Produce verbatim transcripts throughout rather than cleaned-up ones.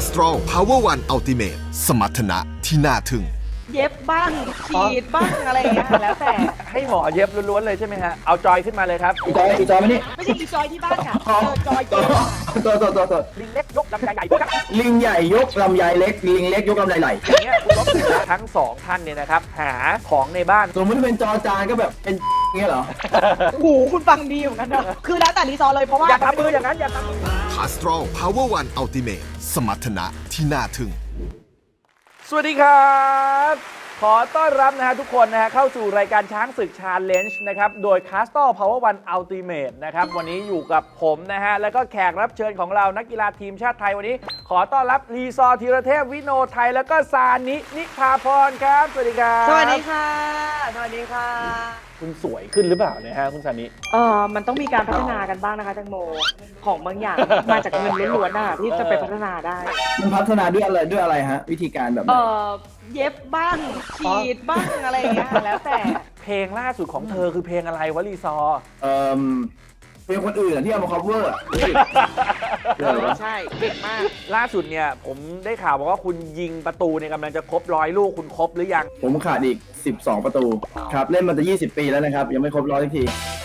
Castrol Power One Ultimate สมรรถนะที่น่าทึ่งเย็บบ้างฉีดบ้างอะไรอย่างเงี้ยแล้วแต่ให้หมอเย็บล้วนๆเลยใช่ไหมฮะเอาจอยขึ้นมาเลยครับอีจอยอีจอยมานี่ไม่ใช่อีจอยที่บ้านค่ะเออจอยเย็บตัวตัวตัวตัวลิงเล็กยกลำไยใหญ่ครับลิงใหญ่ยกลำไยเล็กลิงเล็กยกลำไยไหลอย่างเงี้ยคุณลบทั้งสองท่านเนี่ยนะครับหาของในบ้านสมมติเป็นจอจานก็แบบเป็นเงี้ยเหรอโอ้โหคุณฟังดีเหมือนกันเนอะคือแล้วแต่รีซอร์เลยเพราะว่าอย่าทำมืออย่างนั้นอย่าทำมือ Castrol Power One Ultimate สมรรถนะที่น่าทึ่งสวัสดีครับขอต้อนรับนะฮะทุกคนนะฮะเข้าสู่รายการช้างศึกชาเลนจ์นะครับโดย Castrol Power One Ultimate นะครับวันนี้อยู่กับผมนะฮะแล้วก็แขกรับเชิญของเรานักกีฬาทีมชาติไทยวันนี้ขอต้อนรับรีซอร์ธีรเทพวิโนไทยแล้วก็ซานินิพาพรครับสวัสดีครับสวัสดีค่ะสวัสดีค่ะคุณสวยขึ้นหรือเปล่าเนี่ยฮะคุณซานิเออมันต้องมีการพัฒนากันบ้างนะคะแตงโมของบางอย่างมาจากเงินล้วนๆน่ะที่จะไปพัฒนาได้มันพัฒนาด้วยอะไรด้วยอะไรฮะวิธีการแบบเออเย็บบ้างฉีดบ้างอะไรอย่างเงี้ยแล้วแต่เพลงล่าสุดของเธอคือเพลงอะไรวะรีซอร์เออเพลงคนอื่นที่เอามา cover ใช่เก่งมากล่าสุดเนี่ยผมได้ข่าวบอกว่าคุณยิงประตูเนี่ยกำลังจะครบร้อยลูกคุณครบหรือยังผมขาดอีกสิบสองประตูครับเล่นมาจะยี่สิบปีแล้วนะครับยังไม่ครบร้อยสักที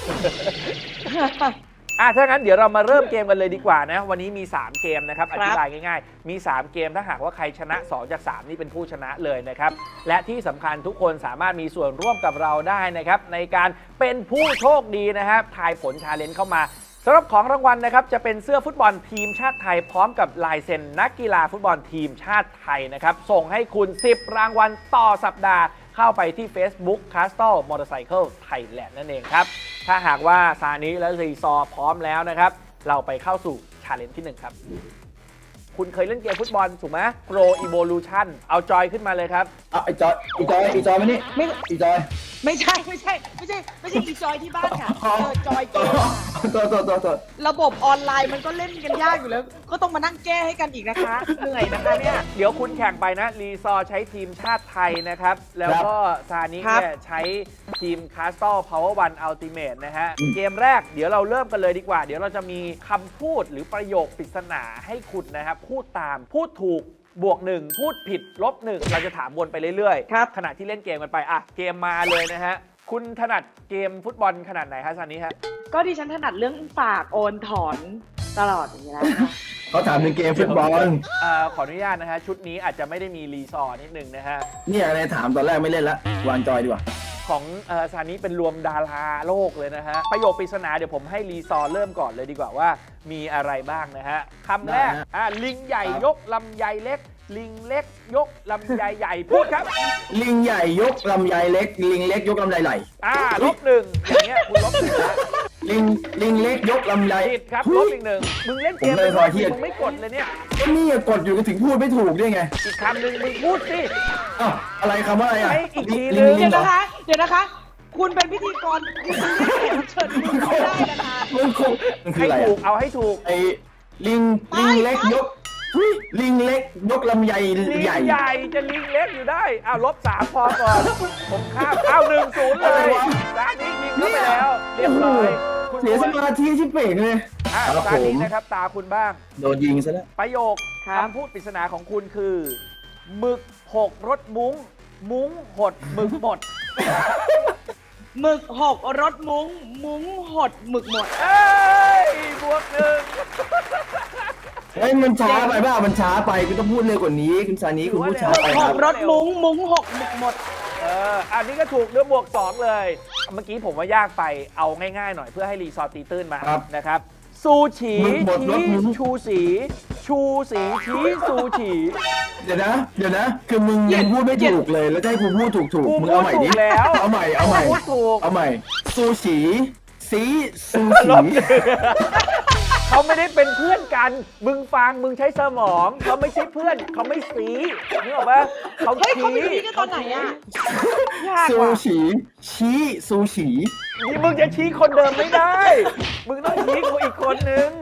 อ่ะถ้างั้นเดี๋ยวเรามาเริ่มเกมกันเลยดีกว่านะวันนี้มีสามเกมนะครับอธิบายง่ายๆมีสามเกมถ้าหากว่าใครชนะสองจากสามนี่เป็นผู้ชนะเลยนะครับและที่สำคัญทุกคนสามารถมีส่วนร่วมกับเราได้นะครับในการเป็นผู้โชคดีนะครับทายผลชาเลนจ์เข้ามาสำหรับของรางวัลนะครับจะเป็นเสื้อฟุตบอลทีมชาติไทยพร้อมกับลายเซ็นนักกีฬาฟุตบอลทีมชาติไทยนะครับส่งให้คุณสิบรางวัลต่อสัปดาห์เข้าไปที่ Facebook Castrol Motorcycle Thailand นั่นเองครับถ้าหากว่าซานิและรีซอร์พร้อมแล้วนะครับเราไปเข้าสู่ชาเลนจ์ที่หนึ่งครับคุณเคยเล่นเกมฟุตบอลถูกไหม Pro Evolution เอาจอยขึ้นมาเลยครับอ่ะไอจอยอีจอยอีจอยมานี่ไม่อีจอยไม่ใช่ไม่ใช่ไม่ใช่ไม่ใช่อีจอยที่บ้านค่ะเออจอยเกมตัวตัวตัวตัวระบบออนไลน์มันก็เล่นกันยากอยู่แล้วก็ต้องมานั่งแก้ให้กันอีกนะคะเหนื่อยนะคะเนี่ยเดี๋ยวคุณแข่งไปนะรีซอร์ใช้ทีมชาติไทยนะครับแล้วก็ซานิเนี่ยใช้ทีม Castrol Power One Ultimate นะฮะเกมแรกเดี๋ยวเราเริ่มกันเลยดีกว่าเดี๋ยวเราจะมีคำพูดหรือประโยคปริศนาให้คุณนะครับพูดตามพูดถูกบวกหนึ่งพูดผิดลบหนึ่งเราจะถามวนไปเรื่อยๆครับขณะที่เล่นเกมกันไปอ่ะเกมมาเลยนะฮะคุณถนัดเกมฟุตบอลขนาดไหนคะซานิฮะก็ดิฉันถนัดเรื่องฝากโอนถอนตลอดอย่างนี้แล้วเขาถามถึงเกมฟุตบอลอ่าขออนุญาตนะฮะชุดนี้อาจจะไม่ได้มีรีซอร์นิดนึงนะฮะเนี่ยอะไรถามตอนแรกไม่เล่นละวางจอยดีกว่าของซานิเป็นรวมดาราโลกเลยนะฮะประโยคปริศนาเดี๋ยวผมให้รีซอร์เริ่มก่อนเลยดีกว่าว่ามีอะไรบ้างนะฮะคำแรกอ่าลิงใหญ่ยกลำไยเล็กลิงเล็กยกลำไยใหญ่พูดครับลิงใหญ่ยกลำไยเล็กลิงเล็กยกลำไยไหลอ่าลบหนึ่งอย่างเงี้ยคุณลบหนึ่งนะลิงลิงเล็กยกลำไยผิดครับลบอีกหนึ่งมึงเล่นเกมเลยมึงไม่กดเลยเนี่ยก็นี่กดอยู่ก็ถึงพูดไม่ถูกได้ไงอีกคำหนึ่งมึงพูดสิอ้าวอะไรคำว่าอะไรอ่ะอีกทีนึงเดี๋ยวนะคะเดี๋ยวนะคะคุณเป็นพิธีกรคุณไม่ได้เชิญคุณไม่ได้นะคะมันคงให้ถูกเอาให้ถูกไอ้ลิงลิงเล็กยกลิงเล็กยกลำไยใหญ่ใหญ่จะลิงเล็กอยู่ได้อ้าวลบสามพอก่อนผมข้ามอ้าวหนึ่งศูนย์เลยซานิยิงเข้าไปแล้วเรียบร้อยเสียสมาธิชิบเป่งเลยอ่าซานินะครับตาคุณบ้างโดนยิงซะแล้วประโยคคำพูดปริศนาของคุณคือหมึกหกรถมุ้งมุ้งหดหมึกหมดหมึกหกรถมุ้งมุ้งหดหมึกหมดเอ้ยบวกหนึ่งเฮ้ยมันช้าไปเปล่ามันช้าไปคุณต้องพูดเร็วกว่านี้คุณซานิคุณพูดช้าไปครับหกรถมุ้งมุ้งหกหมึกหมดเอออันนี้ก็ถูกด้วยบวกสองเลยเมื่อกี้ผมว่ายากไปเอาง่ายๆหน่อยเพื่อให้รีซอร์ตีตื้นมานะครับซูชีชี้ชูสีชูสีชี้ซูชีเดี๋ยวนะเดี๋ยวนะคือมึงยังพูดไม่ถูกเลยแล้วจะให้กูพูดถูกถูกมึงเอาใหม่ดิเอาใหม่เอาใหม่เอาใหม่ซูชีสีซูชีเขาไม่ได้เป็นเพื่อนกันมึงฟังมึงใช้สมองเขาไม่ใช่เพื่อนเขาไม่สีนึกออกปะเขาชี้กันตอนไหนอะซูชีชี้ซูชีนี่มึงจะชี้คนเดิมไม่ได้มึงต้องชี้กูอีกคนนึง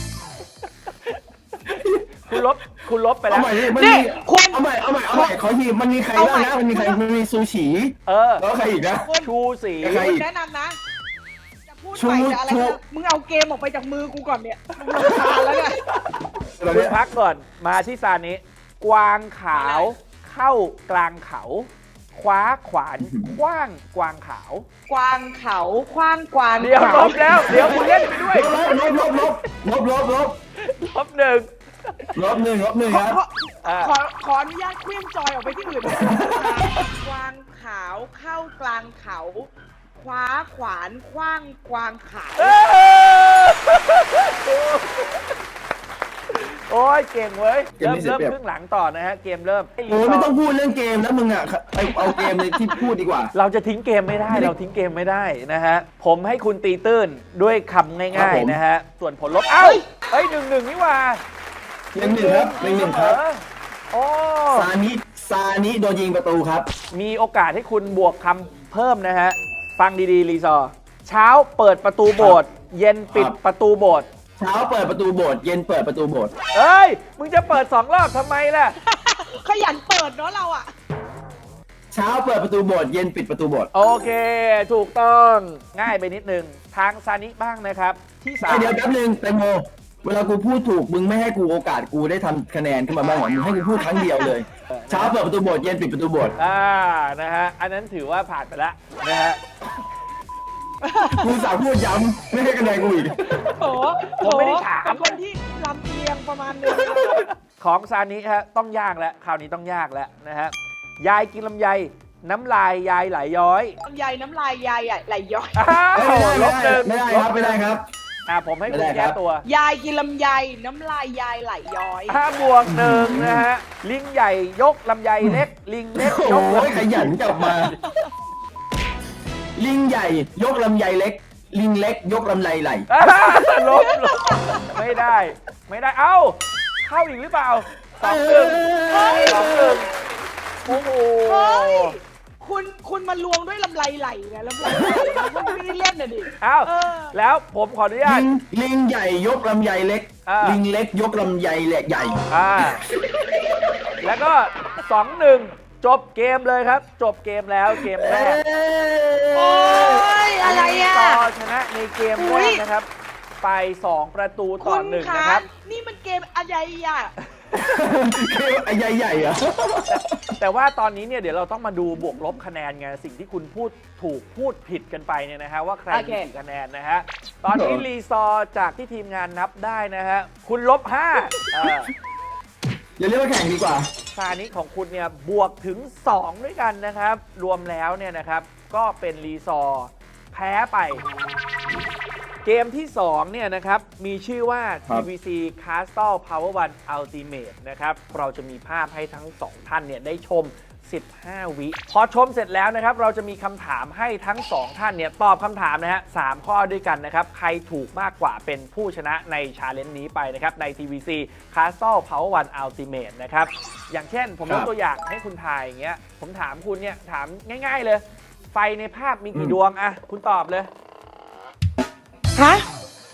คุณลบคุณลบไปแล้วนี่คุณเอาใหม่เอาใหม่เอาใหม่ขอทีมันมีใครบ้างนะมันมีใครมันมีซูชิเออแล้วใครอีกนะชูสีใครแนะนำนะจะพูดไปจะอะไรนะมึงเอาเกมออกไปจากมือกูก่อนเนี่ยมึงรำคาญแล้วเนี่ยตอนคุเนี้ณยพักก่อนมาที่ซานิกวางขาวเข้ากลางเขา คว้าขวานคว้างกวางขาวกวางเขาคว้างกวางเดี๋ยวลเขาบแล้ว เดี๋ยวคุณเล่นไปด้วยลบลบลบลบลบลบลบลบหนึ่งลบหนึ่งลบหนึ่งขอครับขอขอขออนุญาตเคลื่อนจอยออกไปที่อื่นกวางขาวเข้ากลางเขา คว้าขวานคว้างกวางขาวเออโอ้ยเก่งเว้ย เริ่มเริ่มครึ่งหลังต่อนะฮะ เกมเริ่มโอ้ยไม่ต้องพูดเรื่องเกมแล้วมึงอ่ะไปเอาเกมในที่พูดดีกว่าเราจะทิ้งเกมไม่ได้ เราทิ้งเกมไม่ได้นะฮะ ผมให้คุณตีตื้นด้วยคำครัง่าบยผมๆนะฮะ ส่วนผลลบ เอ้าเฮ้ยหนึ่งหนึ่งนี่หว่าหนึ่งหนึ่งครับหนึ่งหนึ่งครับโอ้ซานิซานิโดนยิงประตูครับมีโอกาสให้คุณบวกคำเพิ่มนะฮะ ฟังดีๆ รีซอร์เช้าเปิดประตูโบสถ์เย็นปิดครับประตูโบสถ์เช้าเปิดประตูโบสถ์เย็นเปิดประตูโบสถ์เอ้ย มึงจะเปิดสองรอบทำไมล่ะขยันเปิดเนาะเราอ่ะเช้าเปิดประตูโบสถ์เย็นปิดประตูโบสถ์โอเค ถูกต้องง่ายไปนิดนึง ทางซานิบ้างนะครับ ที่สามเดี๋ยวแป๊บนึงแตงโมเวลากูพูดถูกมึงไม่ให้กูโอกาสกูได้ทำคะแนนขึ้นมาบ้างเหรอมึงให้กูพูดครั้งเดียวเลย เช้าเปิดประตูโบสถ์เย็นปิดประตูโบสถ์อ่านะฮะ อันนั้นถือว่าผ่านไปแล้วนะฮะกูสาวพูดย้ำไม่ให้คะแนนกูอีกโอ้ผมไม่ได้ถามเป็นคนที่ลำเอียงประมาณนึงของซานิฮะต้องยากแล้วคราวนี้ต้องยากแล้วนะฮะยายกินลำไยน้ำลายยายไหลย้อยลำไยน้ำลายยายไหลย้อยอ้าวไม่ได้ลบหนึ่งไม่ได้ครับไม่ได้ครับอ่าผมให้คุณไม่ได้คแก้รับตัวยายกินลำไยน้ำลายยายไหลย้อยห้าบวกหนึ่งนะฮะลิงใหญ่ยกลำไยเล็ก ลิงเล็กยโอ้กลำยขยันกลับมา ลิงใหญ่ยกลำไยเล็ก ลิงเล็กยกลำไยไหลอ่าลบลบไม่ได้ ไม่ได้เอ้า เข้าอีกหรือเปล่าสองหนึ่งสองหนึ่งโอ้โหเฮ้ย คุณคุณมาลวงด้วยลำไรไหลนะลำไรไหลนะคุณไม่ได้เล่นน่ะดิเอ้าเออแล้วผมขออนุญาลิตงลิงใหญ่ยกลำไยเล็กอ่าลิงเล็กยกลำไยแหละใหญ่อ่า แล้วก็สองหนึ่งจบเกมเลยครับ จบเกมแล้วเกมแรกโอ้ยอะไรอ่ะต่อชนะในเกมอุ๊แรยกนะครับ ไปสองประตูต่คุอณหนึ่งคะนะครับนี่มันเกมอะไรอ่ะคือไอ้ใหญ่ใหญ่ๆอะแต่ว่าตอนนี้เนี่ยเดี๋ยวเราต้องมาดูบวกลบคะแนนไงสิ่งที่คุณพูดถูกพูดผิดกันไปเนี่ยนะฮะว่าใครโอมีเคกี่คะแนนนะฮะตอนนี้รีซอร์จากที่ทีมงานนับได้นะฮะคุณลบห้าเอออย่าเรียกว่าแข่งดีกว่าซานิของคุณเนี่ยบวกถึงสองด้วยกันนะครับ รวมแล้วเนี่ยนะครับก็เป็นรีซอร์แพ้ไป เกมที่สองเนี่ยนะครับมีชื่อว่าครัทีบวี ซี Castle Power One Ultimate นะครับเราจะมีภาพให้ทั้งสองท่านเนี่ยได้ชม สิบห้า วิพอชมเสร็จแล้วนะครับเราจะมีคำถามให้ทั้งสองท่านเนี่ยตอบคำถามนะฮะสามข้อด้วยกันนะครับใครถูกมากกว่าเป็นผู้ชนะในชาเลนจ์นี้ไปนะครับใน ที วี ซี Castle Power One Ultimate นะครับอย่างเช่นผมยกตัวอย่างให้คุณทายอย่างเงี้ยผมถามคุณเนี่ยถามง่ายๆเลย ไฟในภาพมีกี่ดวงอะคุณตอบเลยฮะ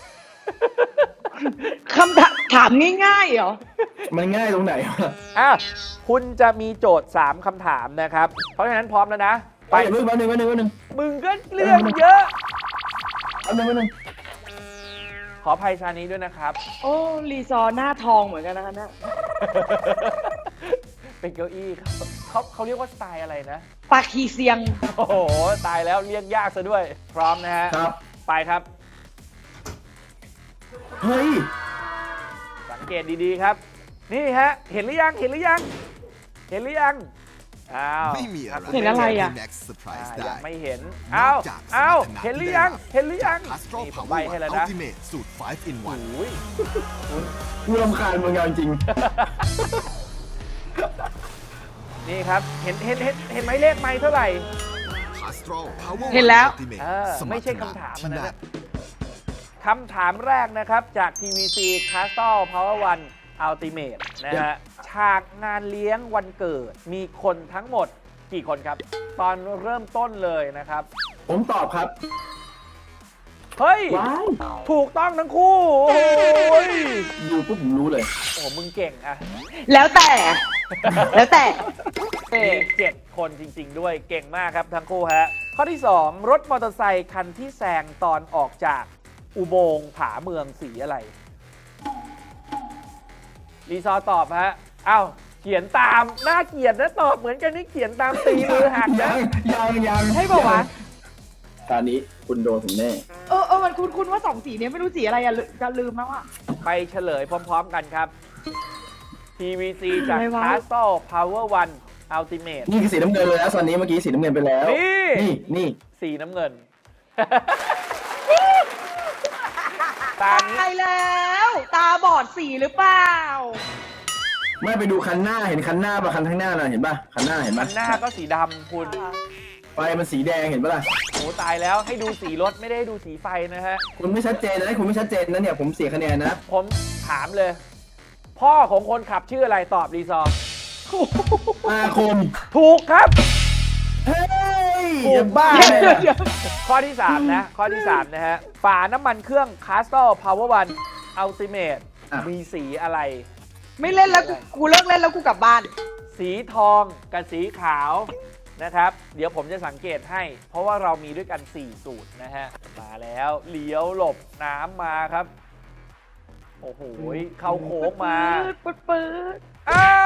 คำถามถามง่ายๆเหรอมันง่ายตรงไหนวะอ่ะคุณจะมีโจทย์ สาม คำถามนะครับ เพราะฉะนั้นพร้อมแล้วนะไปไปเดี๋ยวแป๊บนึงแป๊บนึงแป๊บนึงมึงก็เรื่องเยอะแป๊บนึงแป๊บนึงขออภัยชานี้ด้วยนะครับโอ้รีซอร์หน้าทองเหมือนกันนะคะเนี่ยเป็นเก้าอี้ครับเขาเขาเรียกว่าสไตล์อะไรนะปาคีเซียงโอ้โห ตายแล้วเรียกยากซะด้วย พร้อมนะฮะครับไปครับเฮ้ยสังเกตดีๆครับ นี่ฮะ เห็นหรือยัง เห็นหรือยัง เห็นหรือยัง อ้าวไม่มีอะไรเห็นอะไรอะที่ next อ่า surprise ยัได้งไม่เห็น อ้าว อ้าว เห็นหรือยัง เห็นหรือยัง Astro นี่ผม Power ใบให้ One แล้วนะ Ultimate สูตร five in โอ้ one ยกูรำคาญมึงเอาจริงนี่ครับ เห็น เห็น เห็น เห็นไหมเลขไม้เท่าไหร่ Astro Power เห็นแล้ว One Ultimate เออสไม่รรถใช่นะคำถามที่อันนั้นน่านะคำถามแรกนะครับจาก ที วี ซี Castle Power One Ultimate นะฮะ ฉากงานเลี้ยงวันเกิด มีคนทั้งหมดกี่คนครับ ตอนเริ่มต้นเลยนะครับผมตอบครับเฮ้ยว้ายถูกต้องทั้งคู่ โอ้ยดูปุ๊บผมรู้เลยโอ้มึงเก่งอะแล้วแต่ แล้วแต่เอมีอเจ็ดคนจริง ๆ ด้วยเก่งมากครับทั้งคู่ฮะ ข้อที่ สอง รถมอเตอร์ไซคันที่แซงตอนออกจากอุโมงค์ผาเมืองสีอะไรรีซอร์ตอบฮะอ้าวเขียนตามน่าเกลียดนะตอบเหมือนกันนี่เขียนตามตีมือหักยันะงยังยังให้บอกว่าตอนนี้คุณโดนผมแน่เออเออมันคุ้นคุ้นว่าสองสีเนี้ยไม่รู้สีอะไรอะลืจะลืมแล้วอะไปเฉลยพร้อมๆกันครับ ที วี ซี จากอะไรวะ Castle Power One Ultimate นี่คือสีน้ำเงินเลยนะตอนนี้เมื่อกี้สีน้ำเงินไปแล้วนี่นี่นี่สีน้ำเงิน ตานี้ตายแล้ว ตาบอดสีหรือเปล่าไม่ไปดูคันหน้าเห็นคันหน้าป่ะคันข้างหน้าน่ะเห็นป่ะคันหน้าเห็นมัป่ะนหน้าก็สีดำคุณไฟมันสีแดงเห็นป่ะล่ะโอ้ตายแล้วให้ดูสีรถไม่ได้ดูสีไฟนะฮะคุณไม่ชัดเจนนะคุณไม่ชัดเจนนะเนี่ยผมเสียคะแนนนะผมถามเลย พ่อของคนขับชื่ออะไรตอบรีซอร์อาคมถูกครับเฮ้ยถูกจะบ้าเดี๋ยวเลยเดี๋ยวนะเดี๋ยวข้อที่ สาม นะ ข้อที่ สาม นะฮะ ฝาน้ำมันเครื่อง Castle Power One Ultimate มีสีอะไรไม่เล่นแล้วกูกูเลิกเล่นแล้วกูกลับบ้านสีทองกับสีขาวนะครับ เดี๋ยวผมจะสังเกตให้ เพราะว่าเรามีด้วยกัน สี่ สูตรนะฮะ มาแล้วเลี้ยวหลบน้ำมาครับ โอ้โห เข้าโค้งมาปืดปืดอ้าว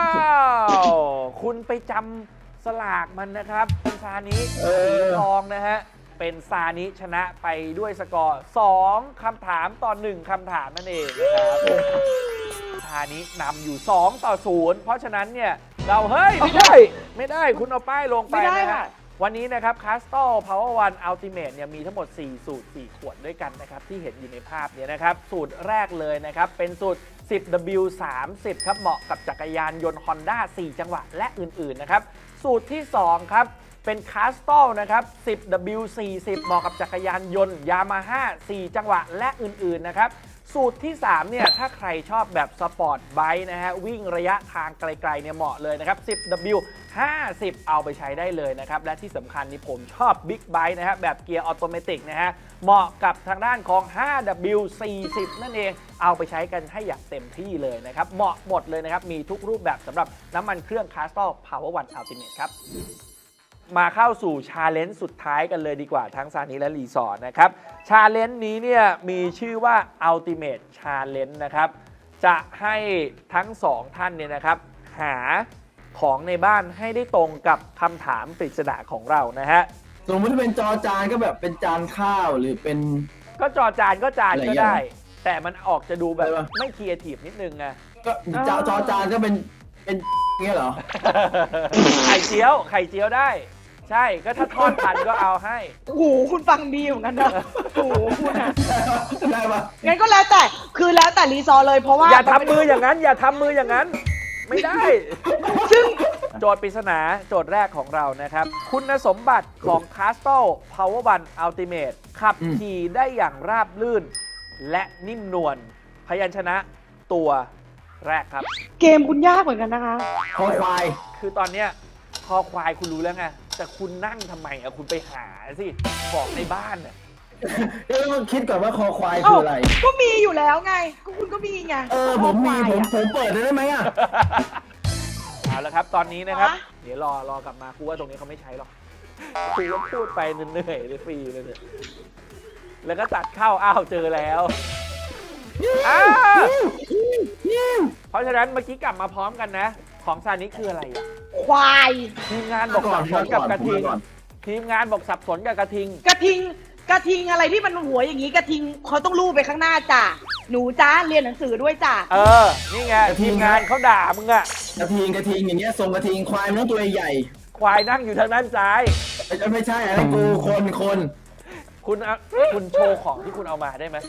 คุณไปจำสลากมันนะครับคุณซานิเอสีอทองนะฮะ เป็นซานิชนะไปด้วยสกอร์ สอง คำถามต่อ หนึ่ง คำถามนั่นเองนะครับซานินำอยู่ สอง ต่อ ศูนย์ เพราะฉะนั้นเนี่ย เราเฮ้ย ไม่ได้ ไม่ได้คุณเอาป้ายลงไปไม่ได้นะค่ะฮะ วันนี้นะครับ Castle Power One Ultimate เนี่ยมีทั้งหมด สี่ สูตร สี่ ขวดด้วยกันนะครับ ที่เห็นอยู่ในภาพเนี่ยนะครับ สูตรแรกเลยนะครับ เป็นสูตร สิบ ดับเบิลยู สามสิบ ครับ เหมาะกับจักรยานยนต์ Honda สี่ จังหวะและอื่นๆนะครับ สูตรที่ สอง ครับ เป็น Castle นะครับ สิบ ดับเบิลยู สี่สิบ เหมาะกับจักรยานยนต์ Yamaha สี่ จังหวะและอื่นๆนะครับ สูตรที่ สาม เนี่ย ถ้าใครชอบแบบสปอร์ตไบค์นะฮะ วิ่งระยะทางไกลๆเนี่ยเหมาะเลยนะครับ สิบ ดับเบิลยู ห้าสิบ เอาไปใช้ได้เลยนะครับ และที่สำคัญนี่ผมชอบบิ๊กไบค์นะฮะ แบบเกียร์ออโตเมติกนะฮะ เหมาะกับทางด้านของ ห้า ดับเบิลยู สี่สิบ นั่นเอง เอาไปใช้กันให้อย่างเต็มที่เลยนะครับ เหมาะหมดเลยนะครับ มีทุกรูปแบบสำหรับน้ำมันเครื่อง Castle Power One Ultimate ครับ มาเข้าสู่ชาเลนจ์สุดท้ายกันเลยดีกว่าทั้งซานิและรีสอร์ทนะครับชาเลนจ์นี้เนี่ยมีชื่อว่า Ultimate Challenge นะครับจะให้ทั้งสองท่านเนี่ยนะครับหาของในบ้านให้ได้ตรงกับคำถามปริศนาของเรานะฮะสมมติเป็นจอจานก็แบบเป็นจานข้าวหรือเป็นก็จอจานก็จานอะไรก็อย่างเงี้ยได้ แต่มันออกจะดูแบบอะไรวะไม่ครีเอทีฟนิดนึงไงก็จอจอจานก็เป็นเป็นเงี้ยเหรอไข่เจียวไข่เจียวได้ ใช่ก็ถ้าทอดทันก็เอาให้โอ้โหคุณฟังดีเหมือนกันนะโอ้โหคุณอะได้ปะงั้นก็แล้วแต่คือแล้วแต่รีซอร์เลยเพราะว่าอย่าทำมืออย่างนั้น อย่าทำมืออย่างนั้น ไม่ได้ซึ่งโจทย์ปริศนาโจทย์แรกของเรานะครับ คุณสมบัติของ Castle Power One Ultimate ขับขี่ได้อย่างราบลื่น และนิ่มนวลพยัญชนะตัวแรกครับเกมคุณยากเหมือนกันนะคะคอควายคือตอนเนี้ยคอควายคุณรู้แล้วไง แต่คุณนั่งทำไมอ่ะคุณไปหาสิบอกในบ้านน่ะเอ๊ะต้องคิดก่อนว่าคอควายเอ้าคืออะไรก็มีอยู่แล้วไง ก็คุณก็มีไงเออผมมีข้อควายผมอะผมเปิดได้ไหมอ่ะเอาละครับ ตอนนี้นะครับฮะเดี๋ยวรอรอกลับมาครูว่าตรงนี้เขาไม่ใช้หรอกครูก็พูดไปเหนื่อยๆเลยฟรีเลยเนี่ยแล้วก็ตัดเข้าอ้าวเจอแล้วอ้าวเพราะฉะนั้นเมื่อกี้กลับมาพร้อมกันนะ ของซานิคืออะไรอ่ะควายทีมงานบอกสับสนกับกระทิงก่อนทีมงานบอกสับสนกับกระทิงกระทิง กระทิงอะไรที่มันหัวอย่างนี้กระทิงเขาต้องลูบไปข้างหน้าจ้ะ หนูจ้าเรียนหนังสือด้วยจ้ะเออ นี่ไงทีมงานเขาด่ามึงอะกระทิงกระทิงอย่างเงี้ยทรงกระทิงควายมันต้องตัวใหญ่ควายนั่งอยู่ทางด้านซ้ายไม่ไม่ใช่อะไรกูคนคนคุณเอาคุณโชว์ของที่คุณเอามาได้ไหม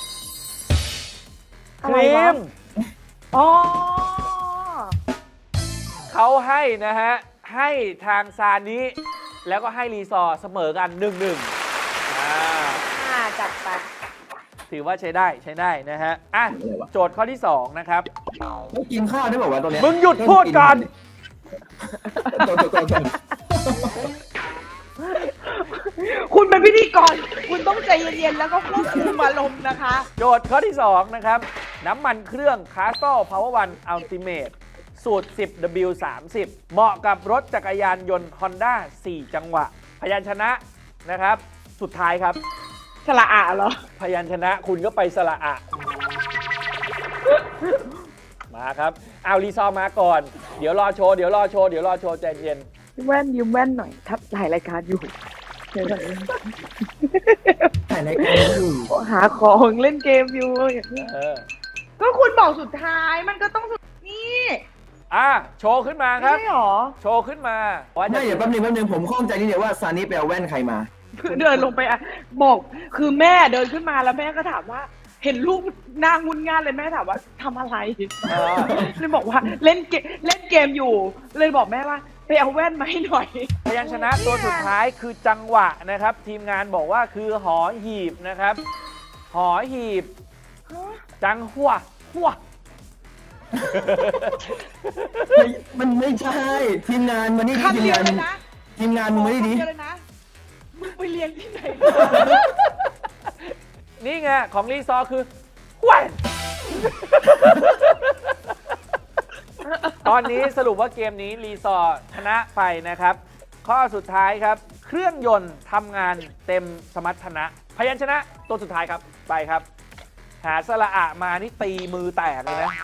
คอะไรรีวะมอ๋อเขาให้นะฮะ ให้ทางซานิแล้วก็ให้รีซอร์เสมอกันหนึ่งหนึ่งอ่าอ่าจัดไปถือว่าใช้ได้ใช้ได้นะฮะ อ่ะ โจทย์ข้อที่ สอง นะครับต้องกินข้าวได้บอกว่าตรงเนี้ยมึงหยุดพูดก่อนโทษโทษโทษโทษคุณเป็นพิธีกร คุณต้องใจเย็นๆ แล้วก็ควบคุมอารมณ์นะคะโจทย์ข้อที่ สอง นะครับ น้ำมันเครื่อง Castle Power One Ultimate สูตร สิบ ดับเบิลยู สามสิบ เหมาะกับรถจักรยานยนต์ Honda สี่ จังหวะ พยัญชนะนะครับ สุดท้ายครับสละอะเหรอพยัญชนะคุณก็ไปสระอะ มามาครับเอารีซอร์มาก่อนเดี๋ยวรอโชว์เดี๋ยวรอโชว์เดี๋ยวรอโชว์ใจเย็นแว่นยืมแว่นหน่อยทับถ่ายรายการอยู่เดี๋ยวก่อนถ่ายรายการอยู่หาของเล่นเกมอยู่อย่างนี้เออก็คุณบอกสุดท้ายมันก็ต้องสุดนี่อ่ะโชว์ขึ้นมาครับไม่ใช่หรอโชว์ขึ้นมาว่าจะไม่เดี๋ยวแป๊บนึงแป๊บนึงผมข้องใจนิดเดียวว่าซานิไปเอาแว่นใครมาเดินลงไปอ่ะบอกคือแม่เดินขึ้นมาแล้วแม่ก็ถามว่า เห็นลูกนางงุนงานเลยแม่ถามว่าทำอะไรเออเลยบอกว่าเล่นเกมเล่นเกมอยู่ เลยบอกแม่ว่าไปเอาแว่นมาให้หน่อยพยัญชนะตัวสุดท้ายคือจังหวะนะครับ ทีมงานบอกว่าคือหอหีบนะครับ หอหีบ จังหัวหัวไม่มันไม่ใช่ ทีมงานมานี่ดิคำทีมเดียวงานเลยนะทีมงานมึงมานี่ดิคำเดียวเลยนะมึงไปเรียนที่ไหนนี่ไงของรีซอร์คือแหวนตอนนี้สรุปว่าเกมนี้รีซอร์ชนะไปนะครับ ข้อสุดท้ายครับ เครื่องยนต์ทำงานเต็มสมรรถนะ พยัญชนะตัวสุดท้ายครับไปครับ หาสระอะมานี่ตีมือแตกเลยนะ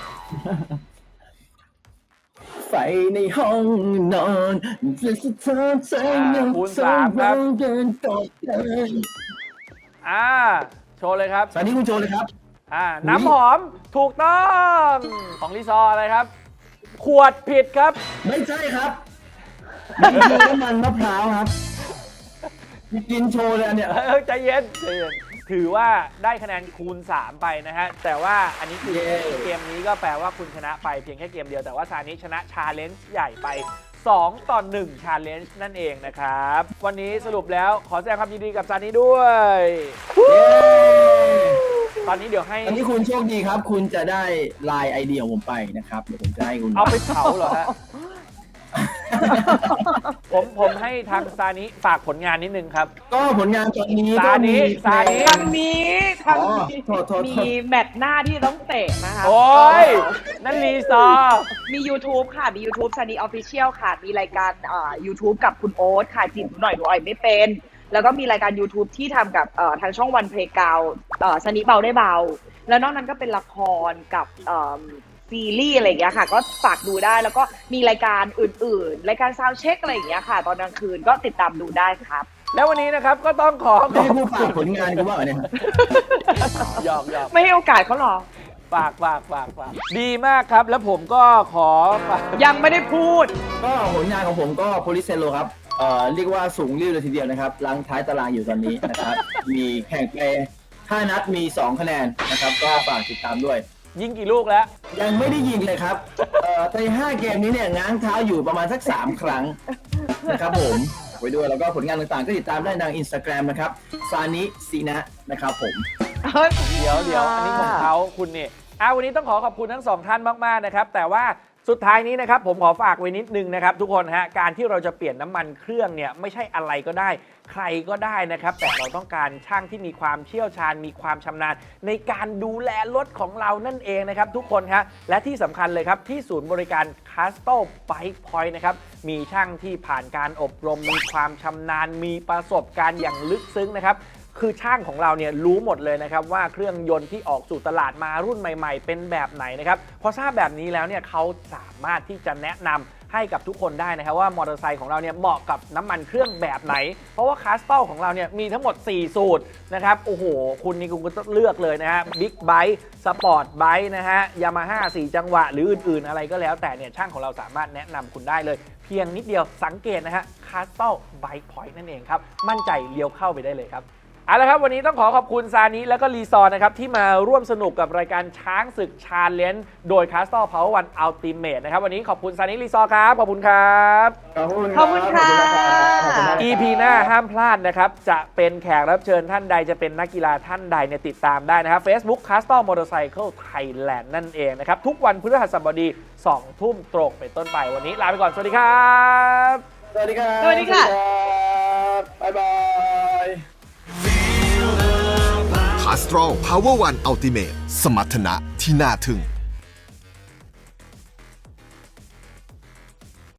ไฟในห้องนอนจะสะท้อนแสงเงาคูณสามครับเดินต่อไปอ่าโชว์เลยครับซานิคุณโจเลยครับอ่าน้ำหอมถูกต้องของรีซอร์อะไรครับ ขวดผิดครับไม่ใช่ครับมันคือน้ำมันมะพร้าวครับมีกินโชว์เลยอันเนี่ยเออใจเย็นใจเย็นถือว่าได้คะแนนคูณ สาม ไปนะฮะ แต่ว่าอันนี้คือเย้เกมนี้ก็แปลว่าคุณชนะไปเพียงแค่เกมเดียว แต่ว่าซานิชนะชาเลนจ์ใหญ่ไปสองต่อหนึ่งชาเลนจ์นั่นเองนะครับ วันนี้สรุปแล้วขอแสดงความยินดีกับซานิด้วย ตอนนี้เดี๋ยวให้อันนี้คุณโชคดีครับ คุณจะได้ไลน์ไอเดียของผมไปนะครับ เดี๋ยวผมจะให้คุณเอาไปเผาเหรอฮะ ผมผมให้ทางซานิฝากผลงานนิดนึงครับก็ผลงานตอนนี้ซาก็นิมีซานิทางนี้ทางอ๋อนี้โทษโทษโทษมีแมตช์หน้าที่ต้องเตะนะคะโอ้ย นั่นรีซอร์มี YouTube ค่ะ มี YouTube ซันนี่ออฟฟิเชียลค่ะ มีรายการอ่า YouTube กับคุณโอ๊ตค่ะจีบหนูหน่อยหนูอ่อยไม่เป็น แล้วก็มีรายการ YouTube ที่ทำกับเอ่อทางช่องวันเพลงกาวซันนี่เบาได้เบา แล้วนอกนั้นก็เป็นละครกับเอ่อซีรีส์อะไรอย่างเงี้ยค่ะ ก็ฝากดูได้ แล้วก็มีรายการอื่นๆ รายการซาวด์เช็คอะไรอย่างเงี้ยค่ะ ตอนกลางคืนก็ติดตามดูได้ครับแล้ววันนี้นะครับก็ต้องขอขไม่อบได้ผู้คุฝากณผลงานกูว่าเหรอเนี่ยหยอกหยอกไม่ให้โอกาสเขาหรอฝากฝากฝากฝากดีมากครับ แล้วผมก็ขอฝากยังไม่ได้พูดก็ผลงานของผมก็โพลิเซโลครับเอ่อเรียกว่าสูงริ้วเลยทีเดียวนะครับลังท้ายตารางอยู่ตอนนี้นะครับ มีแข่งไปห้านัดมีสองคะแนนนะครับ ก็ฝากติดตามด้วยยิงกี่ลูกแล้วยังไม่ได้ยิงเลยครับเอ่อในห้าเกมนี้เนี่ยง้างเท้าอยู่ประมาณสักสามครั้งนะครับผมไว้ด้วยแล้วก็ผลงานต่างๆ ก็ติดตามได้ทางอินสตาแกรมนะครับซานิซีนะนะครับผมเดี๋ยวเดี๋ยวอันนี้ของเขาคุณนี่อ่าวันนี้ต้องขอขอบคุณทั้งสองท่านมากๆนะครับ แต่ว่าสุดท้ายนี้นะครับผมขอฝากไว้นิดนึงนะครับ ทุกคนฮะการที่เราจะเปลี่ยนน้ำมันเครื่องเนี่ยไม่ใช่อะไรก็ได้ ใครก็ได้นะครับ แต่เราต้องการช่างที่มีความเชี่ยวชาญมีความชำนาญในการดูแลรถของเรานั่นเองนะครับทุกคนฮะและที่สำคัญเลยครับที่ศูนย์บริการ Castle Bike Point นะครับมีช่างที่ผ่านการอบรมมีความชำนาญมีประสบการณ์อย่างลึกซึ้งนะครับคือช่างของเราเนี่ยรู้หมดเลยนะครับว่าเครื่องยนต์ที่ออกสู่ตลาดมารุ่นใหม่ๆเป็นแบบไหนนะครับพอทราบแบบนี้แล้วเนี่ยเขาสามารถที่จะแนะนำให้กับทุกคนได้นะครับว่ามอเตอร์ไซค์ของเราเนี่ยเหมาะกับน้ำมันเครื่องแบบไหนเพราะว่าคาสตอลของเราเนี่ยมีทั้งหมดสี่สูตรนะครับโอ้โหคุณนี่คุณก็ต้องเลือกเลยนะฮะบิ๊กไบค์สปอร์ตไบค์นะฮะยามาฮ่าสี่จังหวะหรืออื่นๆอะไรก็แล้วแต่เนี่ยช่างของเราสามารถแนะนำคุณได้เลยเพียงนิดเดียวสังเกตนะฮะคาสตอลไบค์พอยต์นั่นเองครับมั่นใจเลี้ยวเข้าไปได้เลยครับเอาละครับวันนี้ต้องขอขอบคุณซานิและก็รีซอร์นะครับที่มาร่วมสนุกกับรายการช้างศึกชาเลนจ์โดย Castle Power One Ultimate นะครับวันนี้ขอบคุณซานิรีซอร์ครับขอบคุณครับขอบคุณขอบคุณค่ะขอบคุณมากอี พี หน้าห้ามพลาดนะครับจะเป็นแขกรับเชิญท่านใดจะเป็นนักกีฬาท่านใดเนี่ยติดตามได้นะครับ Facebook Castle Motorcycle Thailand นั่นเองนะครับทุกวันพฤหัสบดีสองทุ่มตรงเป็นต้นไปวันนี้ลาไปก่อนสวัสดีครับสวัสดีครับสวัสดีค่ะบ๊ายบาย Castrol Power One Ultimate สมรรถนะที่น่าทึ่ง